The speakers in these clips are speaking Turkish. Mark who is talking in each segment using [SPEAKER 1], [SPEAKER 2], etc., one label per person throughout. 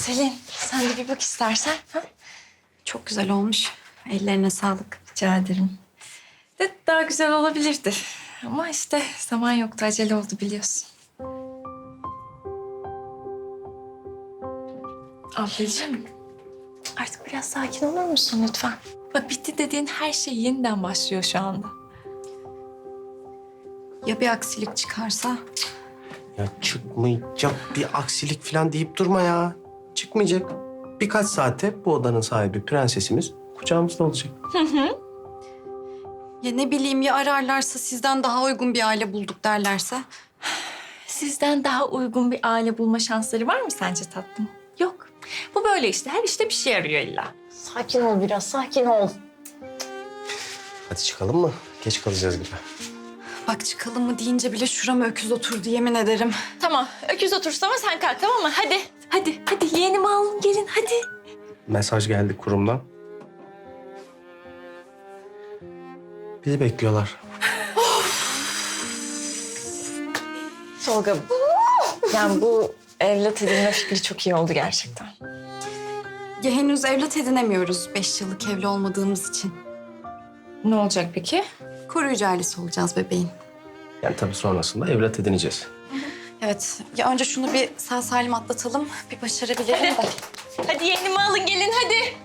[SPEAKER 1] Selin, sen de bir bak istersen. Ha? Çok güzel olmuş. Ellerine sağlık. Rica ederim. De daha güzel olabilirdi. Ama işte zaman yoktu, acele oldu biliyorsun. Ablacığım, artık biraz sakin olur musun lütfen? Bak bitti dediğin her şey yeniden başlıyor şu anda. Ya bir aksilik çıkarsa?
[SPEAKER 2] Ya çıkmayacak bir aksilik falan deyip durma ya. Çıkmayacak. Birkaç saate bu odanın sahibi prensesimiz kucağımızda olacak.
[SPEAKER 3] Ya ne bileyim ya ararlarsa sizden daha uygun bir aile bulduk derlerse?
[SPEAKER 1] Sizden daha uygun bir aile bulma şansları var mı sence tatlım? Yok. Bu böyle işte. Her işte bir şey arıyor illa.
[SPEAKER 3] Sakin ol biraz, sakin ol.
[SPEAKER 2] Hadi çıkalım mı? Geç kalacağız gibi.
[SPEAKER 3] Bak çıkalım mı deyince bile şurama öküz oturdu yemin ederim.
[SPEAKER 1] Tamam. Öküz otursun ama sen kalk tamam mı? Hadi. Hadi yeğenimi alın gelin hadi.
[SPEAKER 2] Mesaj geldi kurumdan. Bizi bekliyorlar.
[SPEAKER 1] Tolga. Yani bu evlat edinme fikri çok iyi oldu gerçekten.
[SPEAKER 3] Ya henüz evlat edinemiyoruz 5 yıllık evli olmadığımız için.
[SPEAKER 1] Ne olacak peki?
[SPEAKER 3] Koruyucu ailesi olacağız bebeğin.
[SPEAKER 2] Yani tabii sonrasında evlat edineceğiz.
[SPEAKER 3] Evet, ya önce şunu bir sağ salim atlatalım, bir başarabilelim de.
[SPEAKER 1] Hadi yeğenimi alın gelin hadi.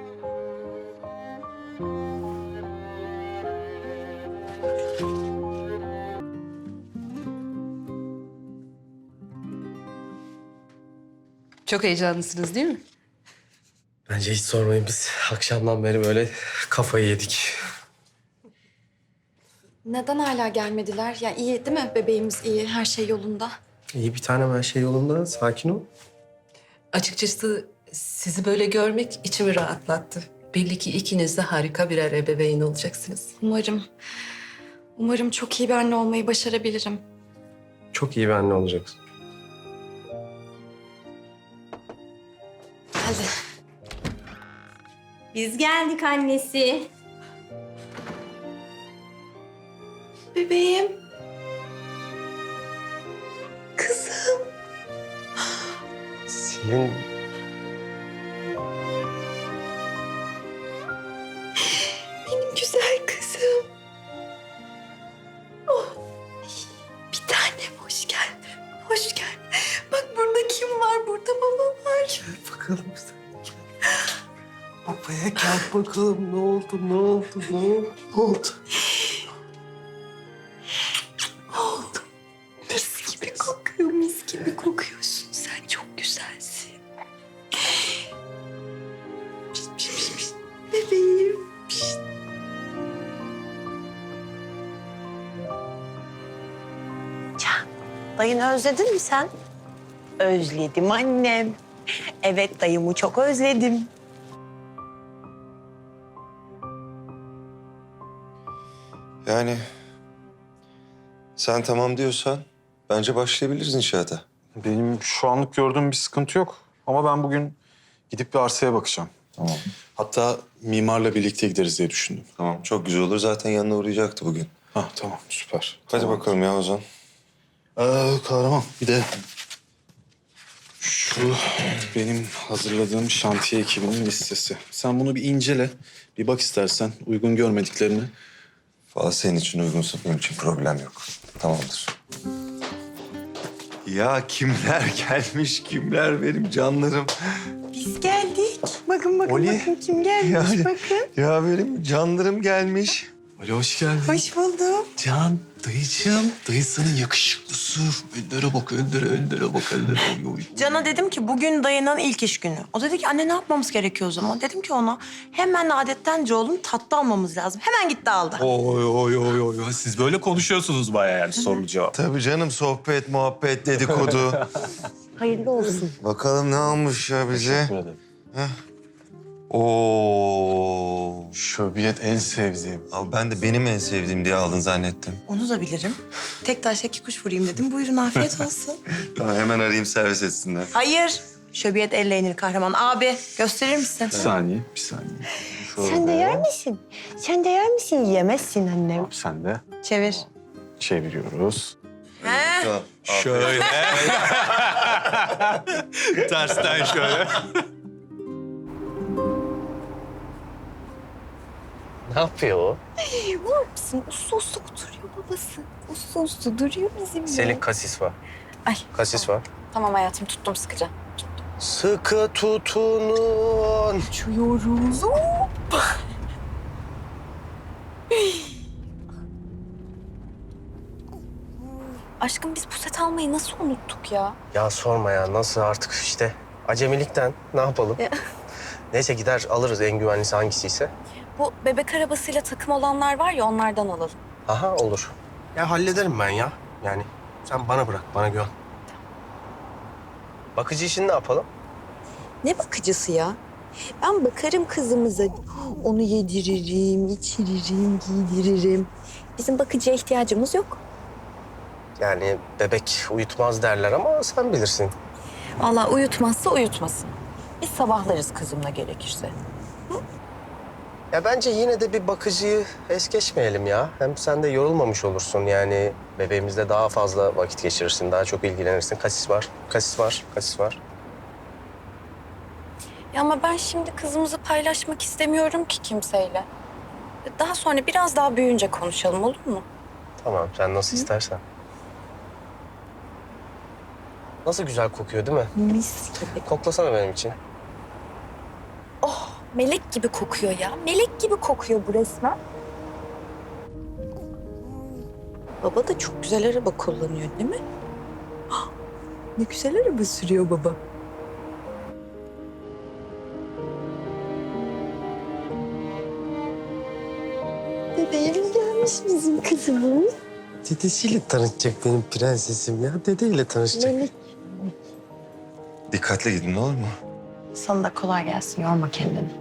[SPEAKER 4] Çok heyecanlısınız değil mi?
[SPEAKER 2] Bence hiç sormayın, biz akşamdan beri böyle kafayı yedik.
[SPEAKER 3] Neden hala gelmediler? Ya iyi değil mi? Bebeğimiz iyi, her şey yolunda.
[SPEAKER 2] İyi bir tanem, her şey yolunda. Sakin ol.
[SPEAKER 4] Açıkçası sizi böyle görmek içimi rahatlattı. Belli ki ikiniz de harika birer ebeveyn olacaksınız.
[SPEAKER 3] Umarım. Umarım çok iyi bir anne olmayı başarabilirim.
[SPEAKER 2] Çok iyi bir anne olacaksın.
[SPEAKER 3] Hadi.
[SPEAKER 5] Biz geldik annesi.
[SPEAKER 3] Bebeğim.
[SPEAKER 2] Selin...
[SPEAKER 3] Benim güzel kızım. Oh. Bir tanem hoş geldin. Hoş geldin. Bak burada kim var? Burada baba var.
[SPEAKER 2] Gel bakalım sen. Babaya gel bakalım. Ne oldu, ne oldu, ne oldu? Ne oldu?
[SPEAKER 3] Oldu. Mis gibi kokuyor, mis gibi kokuyorsun. Sen çok güzelsin. Pişt, pişt, pişt, pişt. Bebeğim. Pişt.
[SPEAKER 6] Dayını özledin mi sen? Özledim annem. Evet dayımı çok özledim.
[SPEAKER 7] Yani sen tamam diyorsan bence başlayabiliriz inşaata.
[SPEAKER 8] Benim şu anlık gördüğüm bir sıkıntı yok. Ama ben bugün gidip bir arsaya bakacağım.
[SPEAKER 7] Tamam.
[SPEAKER 8] Hatta mimarla birlikte gideriz diye düşündüm.
[SPEAKER 7] Tamam, çok güzel olur. Zaten yanına uğrayacaktı bugün.
[SPEAKER 8] Ha tamam, süper.
[SPEAKER 7] Hadi
[SPEAKER 8] Tamam.
[SPEAKER 7] bakalım ya Ozan.
[SPEAKER 8] Kahraman bir de şu benim hazırladığım şantiye ekibinin listesi. Sen bunu bir incele. Bir bak istersen uygun görmediklerini.
[SPEAKER 7] Valla senin için uygunsa benim için problem yok. Tamamdır. Ya kimler gelmiş, kimler benim canlarım.
[SPEAKER 6] Biz geldik. Bakın
[SPEAKER 7] Oli.
[SPEAKER 6] kim gelmiş bakın.
[SPEAKER 7] Ya benim canlarım gelmiş.
[SPEAKER 8] Ali hoş geldin.
[SPEAKER 6] Hoş buldum.
[SPEAKER 8] Can, dayıcığım. Dayısının yakışıklısı. Öndere bak, öndere bak, öndere. Oy, oy.
[SPEAKER 6] Can'a dedim ki bugün dayının ilk iş günü. O dedi ki anne ne yapmamız gerekiyor o zaman? Dedim ki ona hemen adettence oğlum tatlı almamız lazım. Hemen gitti aldı.
[SPEAKER 9] Oy oy oy oy. Siz böyle konuşuyorsunuz bayağı yani soru cevap.
[SPEAKER 7] Tabii canım, sohbet, muhabbet, dedikodu.
[SPEAKER 6] Hayırlı olsun.
[SPEAKER 7] Bakalım ne almış ya bize.
[SPEAKER 8] Teşekkür ederim.
[SPEAKER 7] Oo.
[SPEAKER 8] Şöbiyet en sevdiğim.
[SPEAKER 7] Abi ben de benim en sevdiğim diye aldın zannettim.
[SPEAKER 6] Onu da bilirim. Tek taşla iki kuş vurayım dedim. Buyurun afiyet olsun.
[SPEAKER 7] Tamam, hemen arayayım servis etsinler.
[SPEAKER 6] Hayır. Şöbiyet elle yenir kahraman. Abi gösterir misin?
[SPEAKER 8] Bir saniye.
[SPEAKER 6] Sen de yer misin? Sen de yer misin? Yemezsin annem.
[SPEAKER 8] Sen de
[SPEAKER 6] Çevir.
[SPEAKER 8] çeviriyoruz.
[SPEAKER 6] He.
[SPEAKER 9] Şöyle. Tersten şöyle.
[SPEAKER 2] Ne yapıyor o?
[SPEAKER 3] Var mısın? Uslu uslu duruyor babası. Uslu uslu duruyor bizimle.
[SPEAKER 2] Selin kasis var.
[SPEAKER 3] Ay.
[SPEAKER 2] Kasis var.
[SPEAKER 3] Tamam hayatım tuttum sıkıca.
[SPEAKER 2] Sıkı tutunun.
[SPEAKER 3] Uçuyoruz. Aşkım biz bu set almayı nasıl unuttuk ya?
[SPEAKER 2] Ya sorma ya nasıl artık işte acemilikten ne yapalım? Neyse gider alırız en güvenlisi hangisiyse.
[SPEAKER 3] Bu bebek arabasıyla takım olanlar var ya onlardan alalım.
[SPEAKER 2] Aha olur. Ya hallederim ben ya. Yani sen bana bırak, bana güven. Bakıcı işini ne yapalım?
[SPEAKER 3] Ne bakıcısı ya? Ben bakarım kızımıza. Onu yediririm, içiririm, giydiririm. Bizim bakıcıya ihtiyacımız yok.
[SPEAKER 2] Yani bebek uyutmaz derler ama sen bilirsin.
[SPEAKER 3] Vallahi uyutmazsa uyutmasın. Biz sabahlarız kızımla gerekirse.
[SPEAKER 2] Ya bence yine de bir bakıcıyı es geçmeyelim ya. Hem sen de yorulmamış olursun yani. Bebeğimizle daha fazla vakit geçirirsin, daha çok ilgilenirsin. Kasis var, kasis var, kasis var.
[SPEAKER 3] Ya ama ben şimdi kızımızı paylaşmak istemiyorum ki kimseyle. Daha sonra biraz daha büyüyünce konuşalım olur mu?
[SPEAKER 2] Tamam, sen nasıl istersen. Nasıl güzel kokuyor değil mi?
[SPEAKER 3] Mis gibi.
[SPEAKER 2] Koklasana benim için.
[SPEAKER 3] Melek gibi kokuyor ya. Melek gibi kokuyor bu resmen. Baba da çok güzel araba kullanıyor değil mi? Ne güzel araba sürüyor baba. Bebeğimiz gelmiş bizim kızımız.
[SPEAKER 2] Dedesiyle tanışacak benim prensesim ya. Dedeyle tanışacak.
[SPEAKER 3] Melek.
[SPEAKER 7] Dikkatli gidin olur mu?
[SPEAKER 6] Sana da kolay gelsin. Yorma kendini.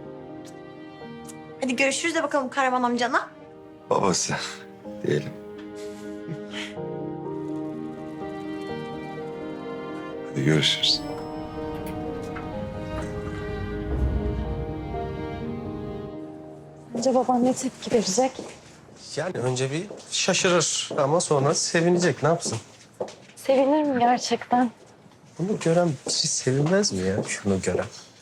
[SPEAKER 6] Hadi görüşürüz de bakalım Karaman amcana.
[SPEAKER 7] Babası diyelim. Hadi görüşürüz.
[SPEAKER 3] Bence babam ne tepki verecek?
[SPEAKER 2] Yani önce bir şaşırır ama sonra sevinecek. Ne yapsın?
[SPEAKER 3] Sevinirim gerçekten.
[SPEAKER 2] Bunu gören bir şey sevinmez mi ya? Şunu gören.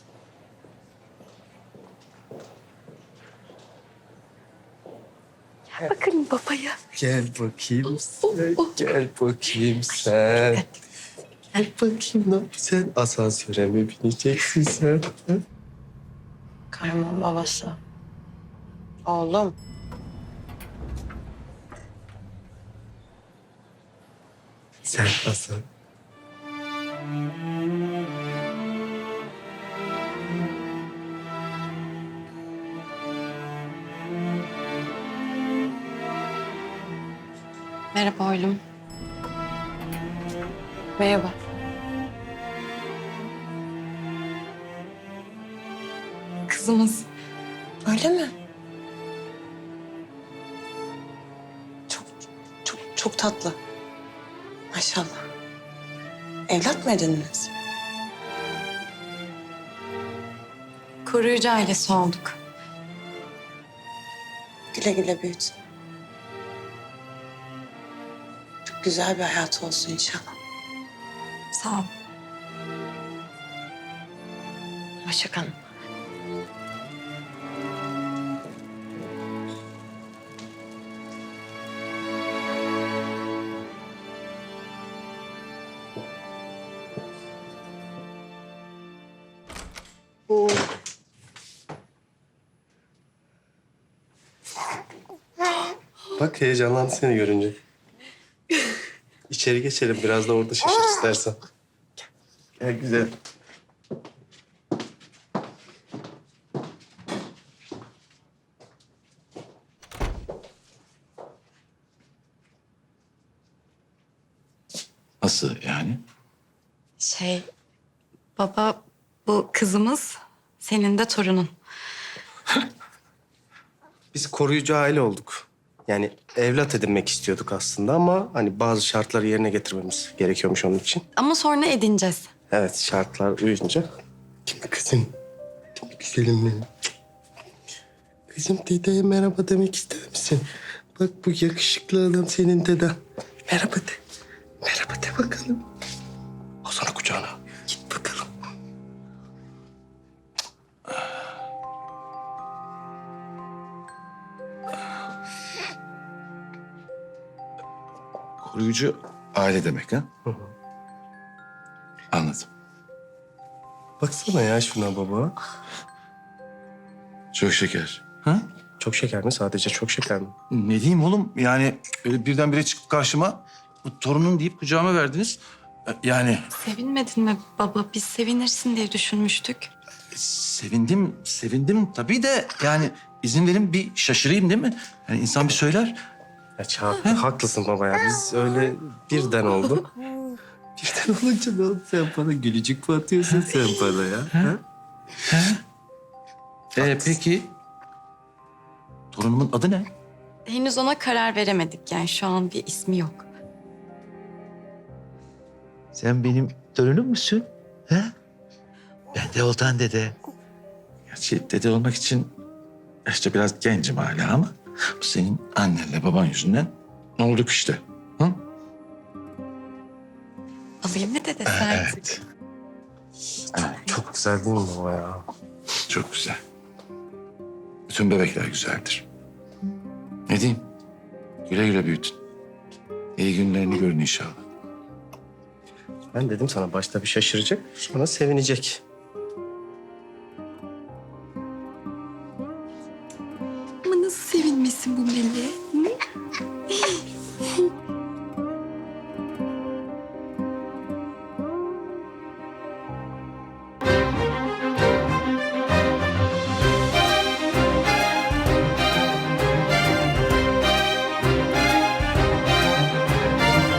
[SPEAKER 3] Bakın babaya.
[SPEAKER 2] Gel bakayım sen. Gel bakayım sen. Gel bakayım ne sen asansöre mi bineceksin sen? Hı?
[SPEAKER 6] Karaman babası. Oğlum.
[SPEAKER 2] Sen asansöre.
[SPEAKER 1] Merhaba oğlum. Merhaba. Kızımız.
[SPEAKER 6] Öyle mi? Çok tatlı. Maşallah. Evlat mı edindiniz?
[SPEAKER 1] Koruyucu ailesi olduk.
[SPEAKER 6] Güle güle büyütün. Çok güzel bir hayat olsun inşallah.
[SPEAKER 1] Sağ ol.
[SPEAKER 6] Hoşça kalın.
[SPEAKER 2] Bak heyecanlandı seni görünce. İçeri geçelim biraz da orada şaşır istersen. Gel güzel.
[SPEAKER 9] Nasıl yani?
[SPEAKER 1] Baba bu kızımız, senin de torunun.
[SPEAKER 2] Biz koruyucu aile olduk. Yani evlat edinmek istiyorduk aslında ama hani bazı şartları yerine getirmemiz gerekiyormuş onun için.
[SPEAKER 1] Ama sonra edineceğiz.
[SPEAKER 2] Evet şartlar uyunca. Kızım, güzelim benim. Kızım dedeye merhaba demek ister misin? Bak bu yakışıklı adam senin deden. Merhaba de. Hadi bakalım. Al sana kucağına. Git bakalım.
[SPEAKER 7] Koruyucu aile demek ha? Anladım.
[SPEAKER 2] Baksana ya şuna baba.
[SPEAKER 7] Çok şeker.
[SPEAKER 9] Ha?
[SPEAKER 2] Çok şeker mi? Sadece çok şeker mi?
[SPEAKER 9] Ne diyeyim oğlum? Yani öyle birdenbire çıkıp karşıma bu torunun deyip kucağıma verdiniz. Yani
[SPEAKER 1] Sevinmedin mi baba? Biz sevinirsin diye düşünmüştük.
[SPEAKER 9] sevindim tabii de yani izin verin bir şaşırayım değil mi? Yani insan bir söyler.
[SPEAKER 2] Ya Çağatay haklısın baba ya. Biz öyle birden oldu. Birden olunca ne oldu? Sen bana gülücük mü atıyorsun sen bana ya? Ha?
[SPEAKER 9] Peki torunumun adı ne?
[SPEAKER 1] Henüz ona karar veremedik yani şu an bir ismi yok.
[SPEAKER 10] Sen benim torunum musun? Ha? Ben de Oltan dede.
[SPEAKER 9] Gerçi dede olmak için işte biraz gencim hala ama bu senin annenle baban yüzünden olduk işte. Hı?
[SPEAKER 1] Alayım mı dede sen?
[SPEAKER 9] Evet.
[SPEAKER 2] Çok güzel değil mi baba ya?
[SPEAKER 7] Çok güzel. Bütün bebekler güzeldir.
[SPEAKER 9] Ne diyeyim? Güle güle büyütün. İyi günlerini görün inşallah.
[SPEAKER 2] Ben dedim sana başta bir şaşıracak, sonra sevinecek.
[SPEAKER 1] Ama nasıl sevinmesin bu Melih?